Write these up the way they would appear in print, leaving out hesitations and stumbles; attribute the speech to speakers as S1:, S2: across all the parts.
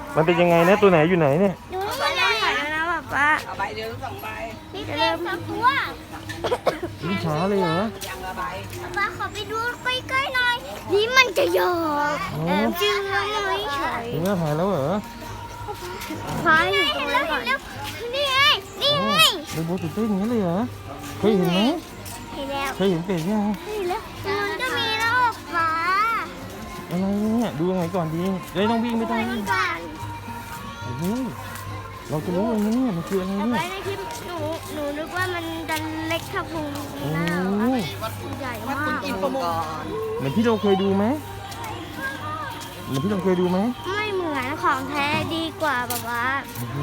S1: มันเป็นยังไงนะตัวไหนอยู่ไหนเนี่ย
S2: ดูนี่มันเลยค่ะนะป๊า
S3: เอาใบเดียว2 ใบ
S2: นี่จะเริ่มตัว
S1: นี่ช้าเลยเหรอ
S3: ยังละใบ
S2: ป๊าขอไปดูใกล้ๆหน่อยนี่มันจะหยอกจริงเลยเฉย
S1: ถึงแม่ถ่ายแล้วเหรอ
S2: พายอยู่ตรงนั้นก่อนนี่ไงนี่ไง
S1: เรนโบว์ตื่นเต้นอย่างนี้เลยเหรอเคยเห็นไหม
S2: เห็นแล้ว
S1: เคยเห็นเป็ดยัง
S2: เห็นแล้วมันก็มีแล้วป๊า
S1: อะไรเนี่ยดูยังไงก่อนดีเดี๋ยวต้องวิ่งไม่
S2: ไป
S1: ต้อง
S2: มั
S1: วิ่
S2: น
S1: ง
S2: ก่อน
S1: โอ้โหเราจะรู้เลยนะเนี่ยมันคืออะไร
S2: เอา
S1: เนี่
S2: ไป
S1: ย
S2: ในคลิปหนูนึกว่ามันดันเล็กเท่าพุง
S1: โอ้
S2: หน้า
S1: โห
S2: ใหญ่
S3: วัด
S2: มา
S3: คุณ
S2: ก
S3: กินประมงก่อน
S1: เหมือนที่เราเคยดูไหมเหมือนที่เราเคยดูไหม
S2: ไม่เหมือนของแท้ดีกว่าแบบว่า
S1: โอ้โห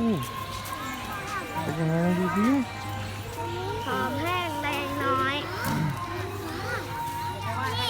S1: เป็นยังไงดูสิ
S2: หอมแห้งแรงน้อยนี่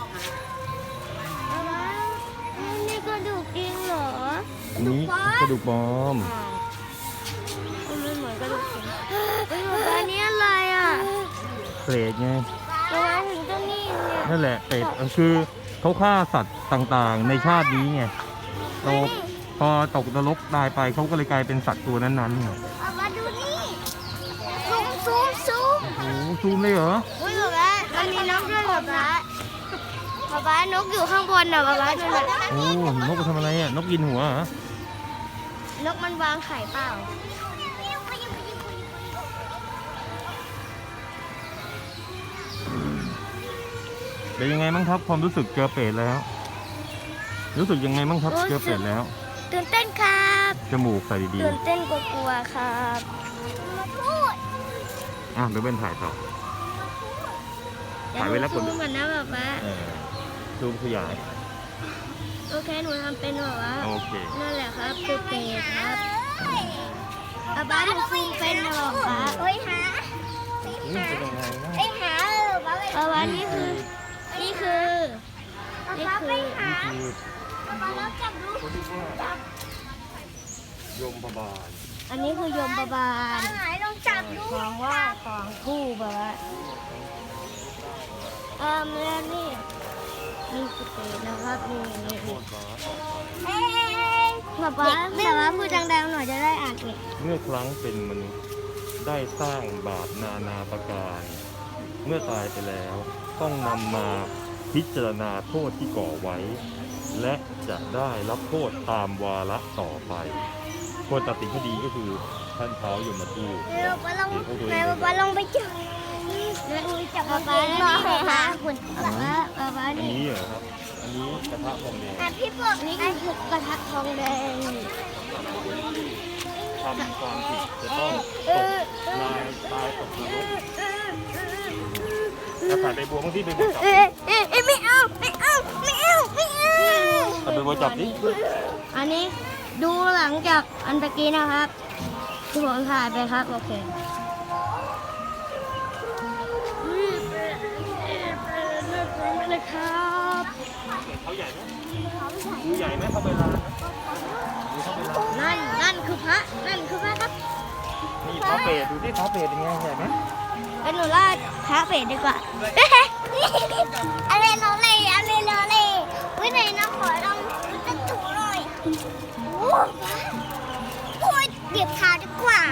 S2: เอาวะนี่กระดูกจริงเหรอ
S1: อันนี้กระดูกปลอม
S2: มันเหมือนกระดูกจริงอันนี้อะไรอ่ะ
S1: เปรตไง
S2: ทำไมถึงต้องนี่เนี่ย
S1: นั่นแหละเป็ดคือเขาฆ่าสัตว์ต่างๆ ในชาตินี้ไงเราพอตกนรกตายไปเขาก็เลยกลายเป็นสัตว์ตัวนั้นๆไง
S2: เอามาดูนี่ซูม
S1: โอ้โหซูมเลยเหรอ
S2: อุ้ยแบบว่ามันมีนกด้วยแบบว่าแบบว่านกอยู่ข้างบนน่ะแบบว่านั่นแหละ
S1: โอ้นกไปทำอะไรอ่ะนกกินหัวเหรอน
S2: กมันวางไข่เปล่า
S1: เป็นยังไงบ้างครับความรู้สึกเจอเป็ดแล้ว รู้สึกยังไงบ้างครับเจอเป็ดแล้ว
S2: ตื่นเต้นครับ
S1: จมูกใส่ดี
S2: ตื่นเต้นกลัวๆครับมาพูด
S1: ๆอ่ะเดี๋ยวเป็นถ่ายต่อ ถ่ายไว้แล้วกด
S2: ซูมกันนะแบบว่า
S1: ซูมขยาย
S2: โอเคหนูทำเป็นแบบว่า
S1: โอเค
S2: นั่นแหละครับคือเป็ดครับอาบ้าหนูซูมเป็นนะบอกป้าโอ้ยหา
S1: นี่เป็นยังไงนะ
S2: ไอ้หาป้าป้านี่คือนี่คือนี่คือ
S1: นี่คือเขาเรียกว่าโยมบาล
S2: อันนี้คือยมบาบาล
S3: หายลองจับดู
S2: ของว่าของคู่แบบว่าแล้วนี่นี่คือเป็ดนะครับนี่นี่
S1: โทษบาส
S2: ป้าป้าแต่ว่าพูดดังๆหน่อยจะได้อ่านอีก
S1: เมื่อครั้งเป็นมนุษย์ได้สร้างบาปนานาประการ เมื่อตายไปแล้ว ต้องนำมาพิจารณาโทษที่ก่อไว้ และจะได้รับโทษตามวาระต่อไปคนตัดสินคดีก็คือท่านเท้ายมทูต
S2: เร็วป้าลงแม่ป้าลงไปจับแล้วอุ้ยจับป้าป้าแล้วนี่เลยค่ะคุณป้าป้า
S1: อัน
S2: นี่
S1: นี้เหรอครับ อันนี้กระทะทองแดง
S2: พี่ปกนี่คือกระทะทองแดง
S1: ทำความผิดจะต้องตกนายตายตกนรกถ้าถ่ายใบบัวบางที่ใบบัวจับ
S2: ไม่เอาไม่เอาไม่เอาไม่เอา
S1: ถ่ายใบบัวจับดิ
S2: อันนี้ดูหลังจากอันตะกี้นะครับที่ผมถ่ายไปครับโอเคเลยครับ
S1: เขาใหญ่ไหมดูใหญ่ไหมเขาไปร้านดูเขาไปร้าน
S2: นั่นคือพระนั่นคือพระครับ
S1: นี่พระเปรตดูที่พระเปรตเป็นไงใหญ่ไหม
S2: เป็นหนูลาดพระเป็ดดีกว่าอะไรน้องเลยอะไรน้องเลยวินัยน้องขอลองจะถูหน่อยโอ้ยเบียบเท้าดีกว่า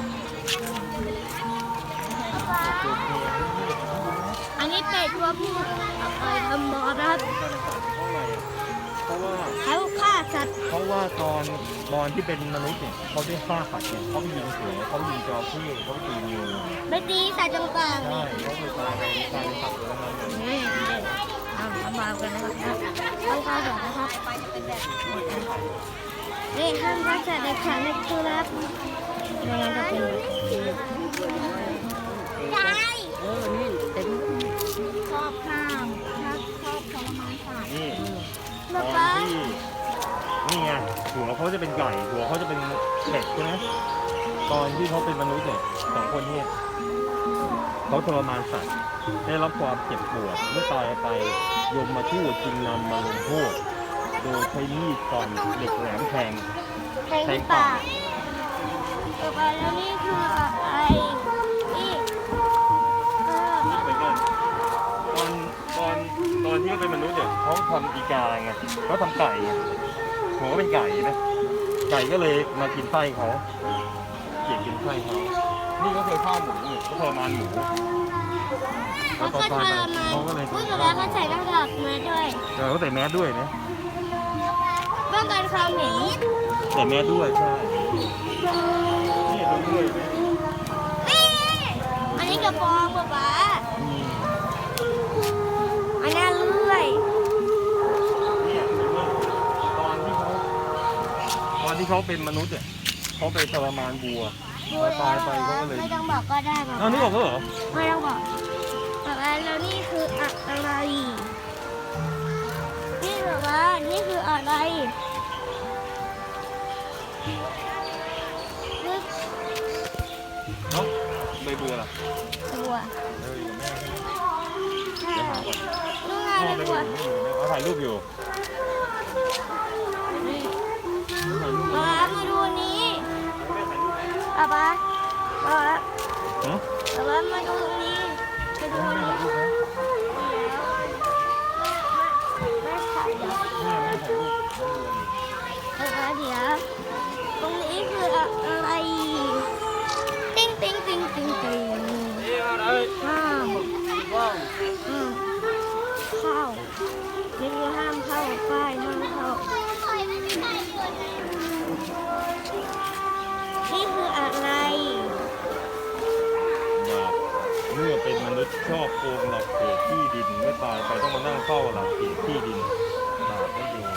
S2: อันนี้เป็ดตัวผู้ทำบอนะครับ
S1: เพราะว่า
S2: เขาฆ่าสัตว์
S1: เพราะว่าตอนที่เป็นมนุษย์เนี่ยเขาได้ฆ่าสัตว์เนี่ยเขาไปยิงเสือเขายิงจระเข้เขาไปตีงู
S2: ไม่ตีสัตว์ต่างๆ
S1: ใช่เขาเลยตายไปกลายเป็นสัตว์ตัวนั้นเลย
S2: นี่ทำบาปกันนะครับต้องฆ่าสัตว์นะครับนี่ห้ามฆ่าสัตว์ในขันในตัวรับไม่งั้นจะเป็นยาย
S3: นี่เต็มชอบข้ามชอบทรมานสัตว์
S1: นี่ต
S2: ป๊า
S1: อน
S2: ป๊า
S1: ที่นี่ไงหัวเขาจะเป็นไก่หัวเขาจะเป็นเป็ดใช่ไหมตอนที่เขาเป็นมนุษย์เนี่ยสองคนเนี่ยเขาทรมานสัตว์ได้รับความเจ็บปวดเมื่อตายไปยมมาทูตจึงนำมาลงโทษโดยใช้มีดฟันเหล็กแหลมแทง
S2: แทงที่ปากต่อไปแล้วนี่คืออะไรนี่
S1: นี่เหมือนกันตอนที่เขาเป็นมนุษย์เนี่ยเขาทำอีกาไงเขาทำไก่ไงหัวก็เป็นไก่นะไก่ก็เลยมากินไส้เขาเกลียดกินไส้เขานี่ก็เคยฆ่าหมูนี่ก็ทรมานหมู
S2: เขาก็ทรมาน
S1: เขาก็เลย
S2: พูดถึงแล้วเขาใส่หน้ากากมาด้วย
S1: เขาใส่แมสด้วยนะ
S2: ป้องกันความเห็น
S1: ใส่แมสด้วยใช่นี่ดูด้วยนะ
S2: อันนี้กระปองป๊าป๊า
S1: อืม
S2: อันนั้นเลื่อย
S1: เนี่ยตอนที่เขาเป็นมนุษย์เนี่ยเขาไปทรมานบัวพอตายไปเขาก็เลย
S2: ไม่ต้องบอกก็ได้ป๊า
S1: อ้าวนี่บอกเขาเหรอ
S2: ไม่ต้องบอกป๊าป๊าแล้วนี่คืออะไร นี่ป๊าป๊านี่คืออะไรนี่
S1: เนาะใบบัวล่ะ
S2: ตัว
S1: เอออยู่กับแม่ใช่ไหม
S2: ใช่
S1: เดี๋ยวหาก่อน
S2: นู่นไง
S1: พ่อไป
S2: ตั
S1: ดู
S2: ว
S1: ไม่อยู่เขาถ่ายรูปอยู่
S2: นี่
S1: ถ่ายรูป
S2: ป๊าป๊ามาดูอันนี้
S1: แม่ถ่ายรูปไหม
S2: ป๊าป๊าป๊าป๊า
S1: ฮะ
S2: ป๊าป๊ามาดูอันนี้มาดูอัน
S1: แม่
S2: นี้
S1: ถ่ายรูปไหม
S2: ไม่ถ่ายเดี๋ยว
S1: แม่ไม่ถ่ายรูป
S2: เดี๋ยวตรงนี้คืออะไร ติ๊งติ๊งติ๊งติ๊งติ๊งห้ามเข้านี่คือห้ามเข้าป้ายห้ามเข้านี่คืออะไร
S1: เมื่อเป็นมนุษย์ชอบโกงหลักเขตที่ดินเมื่อตายไปต้องมานั่งเฝ้าหลักเขตที่ดินบาปไม่อยู่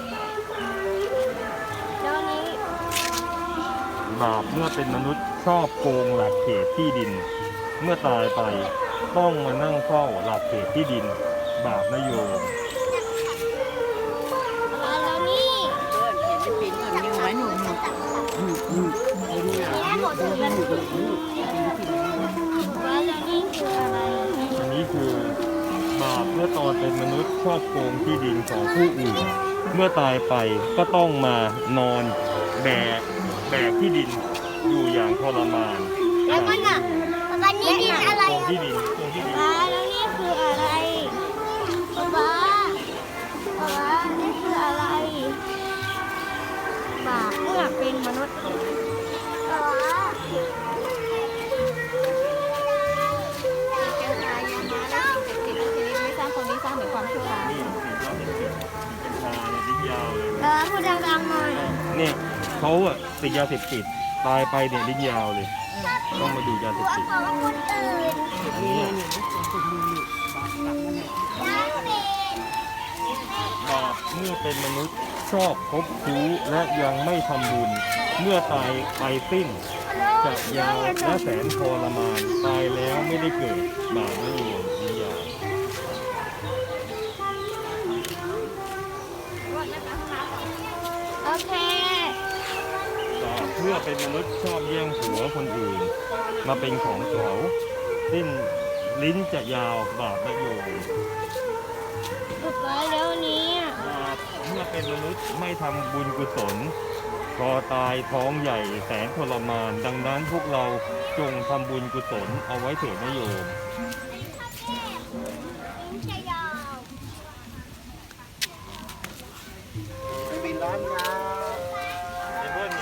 S2: แล้วนี้
S1: บาปเมื่อเป็นมนุษย์ชอบโกงหลักเขตที่ดิน เมื่อตายไปต้องมานั่งเฝ้าหลักเขตที่ดิน บาปไม่โยม
S2: แล้วนี่
S3: เป็นแบบยังไงหนู
S2: นี่หมดถึงแล้วแล้วนี่คืออะไร
S1: อันนี้คือบาปเมื่อตอนเป็นมนุษย์ชอบโกงที่ดินของผู้อื่น เมื่อตายไปก็ต้องมานอนแบกที่ดินอยู่อย่างทรมาน
S2: แล้วก็น่ะป๊านี่ดินอะไร
S1: โกงที่ดินโกงที่ดิน
S2: ป๊าแล้วนี่คืออะไรป๊านี่คืออะไรบาปเมื่อเป็นมนุษย์ป๊า
S3: เจ้าชายยามาและสิ่งศักดิ์สิทธิ์ชนิดไม่สร้างคนนี้สร้างแต่ความชั่วร้าย
S1: นี่สีเราเป็นสีกัญชาเนี่ยลิ้นยาวเลย
S2: พูดดังๆหน่อย
S1: เนี่ยเขาอะติดยาเสพติดตายไปเนี่ยลิ้นยาวเลย ต้องมาดูยาเสพติด
S2: ของคนอื่น
S1: อันนี้ บาปเมื่อเป็นมนุษย์ชอบคบชู้และยังไม่ทำบุญ เมื่อตายไปสิ้นจะยาวและแสนทรมานตายแล้วไม่ได้เกิดบาปไม่รวมนิยาม
S2: โอเค
S1: บาปเมื่อเป็นมนุษย์ชอบแย่งผัวคนอื่น มาเป็นของเขาสิ้นลิ้นจะยาวบาปไม่โยม
S2: ป๊าแล้วนี้
S1: บาปเมื่อเป็นมนุษย์ไม่ทำบุญกุศลพอตายท้องใหญ่แสนทรมาน ดังนั้นพวกเราจงทำบุญกุศลเอาไว้เถิดนะโยม
S2: จะยาว
S1: ปิดร้านครับไอ้เบิ้ลนี่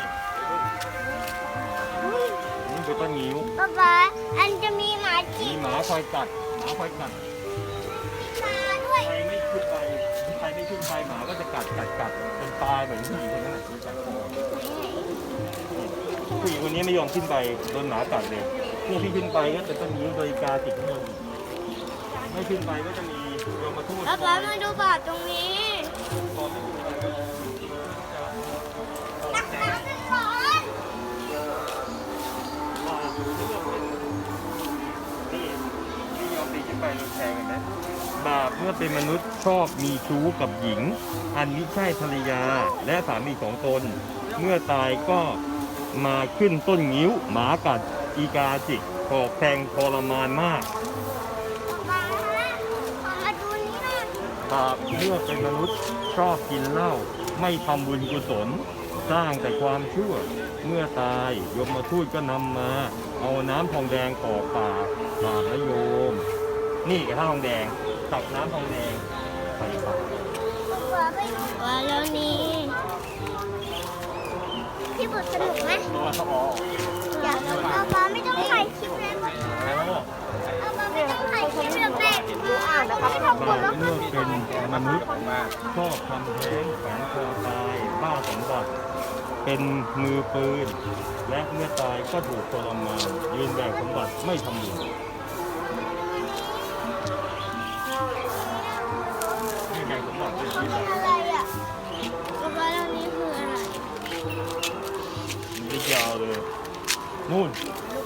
S1: นี่คือต้นงิ้ว
S2: ป๊าอันจะมีหมา
S1: มี
S2: จี
S1: หมาคอยกัดหมาคอยกัด
S2: ตาด้วย
S1: ใครไม่ขึ้นไปใครไม่ขึ้นไปหมาก็จะกัดจนตายเหมือนผู้หญิงคนนั้นแหละที่กัดคอผู้หญิงคนนี้ไม่ยอมขึ้นไปโดนหมากัดเลยพวกที่ขึ้นไปก็จะต้องมีโดยกาติดข้างบนไม่ขึ้นไปก็จะมีโยมมาทูต
S2: ป๊ามาดูบาปตรงนี้
S1: พอไม่ขึ้นไปก็จะ
S2: ตักน้ำเป็นร้อน
S1: นี่ยอมตีขึ้นไปเราแชร์กันนะบาปเมื่อเป็นมนุษย์ชอบมีชู้กับหญิง อันมิใช่ภรรยาและสามีของตน เมื่อตายก็มาขึ้นต้นงิ้ว หมากัดอีกาจิกกอกแทงทรมานมาก
S2: ป๊าขอมาดูนี่หน่อย
S1: บาปเมื่อเป็นมนุษย์ชอบกินเหล้าไม่ทำบุญกุศล สร้างแต่ความชั่ว เมื่อตายยมทูตก็นำมา เอาน้ำทองแดงกรอกปากบาปนะโยม นี่กระทะทองแดงตักน้ำทองแดงใส่ปาก
S2: ป๊าแล้วนี่
S1: บ
S2: บทสนุกไหม
S1: ตัวเขาออก
S2: อยากเอามาไม่ต้องถ่ายคลิปเลยเอามาไม่ต้องถ่ายคลิปเลยแม่ดูอ่านนะคะไม่ทำคนแล้ว
S1: เมื่อเป็นมนุษย์ชอบทำแท้งแฝงคอตายบ้าสมบัติเป็นมือปืน และเมื่อตายก็ถูกทรมานยืนแบกสมบัติไม่ทำบุญนี่แบกสมบัติเป็นที่ไหน
S2: อะไรอ่ะแล้วก็อันนี้คืออะไร
S1: มันยาวเลยนู่น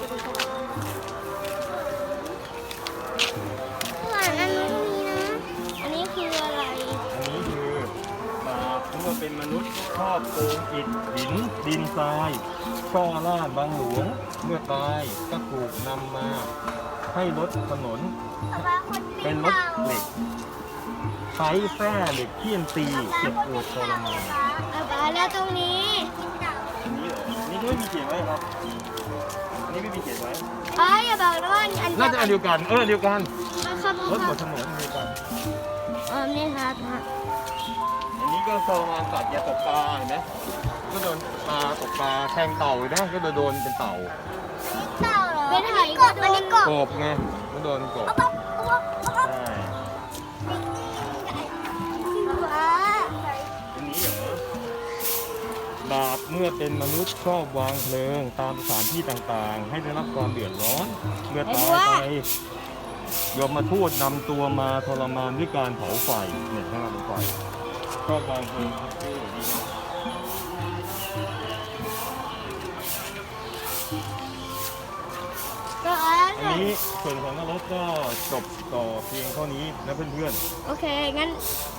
S2: หวานอันนู้นมีนะ อันนี้คืออะไร
S1: อันนี้คือบาปเมื่อเป็นมนุษย์ชอบโกงอิฐหินดินทรายช่อล่าบางหลวงเมื่อตายก็ถูกนำมาให้รถถนน เป็นรถเหล็กใช้แส้เหล็กเคี่ยนตีเจ็บปวดทรมาน
S2: แล้วตรงนี้
S1: อันนี้เหรอนี่ก็ไม่มีเขียนไว้ครับอันนี้ไม่มีเขียนไว้
S2: อย่าบอกนะว่าอัน
S1: น่าจะอันเดียวกันเดียวกัน
S2: ครับ
S1: รถบนถนนอันเดียวกัน
S2: นี่ครับ
S1: อันนี้ก็ทรมานสัตว์อย่าตกปลาเห็นไหมก็โดนปลาตกปลาแทงเต่านะก็โดนเป็นเต่า
S2: เต่าเหรอเป็นไหกบอันนี้กบ
S1: กบไงก็โดนกบใช่ อันนี้เหรอบาปเมื่อเป็นมนุษย์ชอบวางเพลิงตามสถานที่ต่างๆ ให้ได้รับความเดือดร้อน เมื่อตายไปยมมาทูตนำตัวมาทรมานด้วยการเผาไฟเนี่ยให้เราไฟชอบวางเพลิงดีนะ
S2: ก็
S1: อันนี้ส่วนของนรกก็จบต่อเพียงเท่านี้นะเพื่อนๆ
S2: โอเค งั้น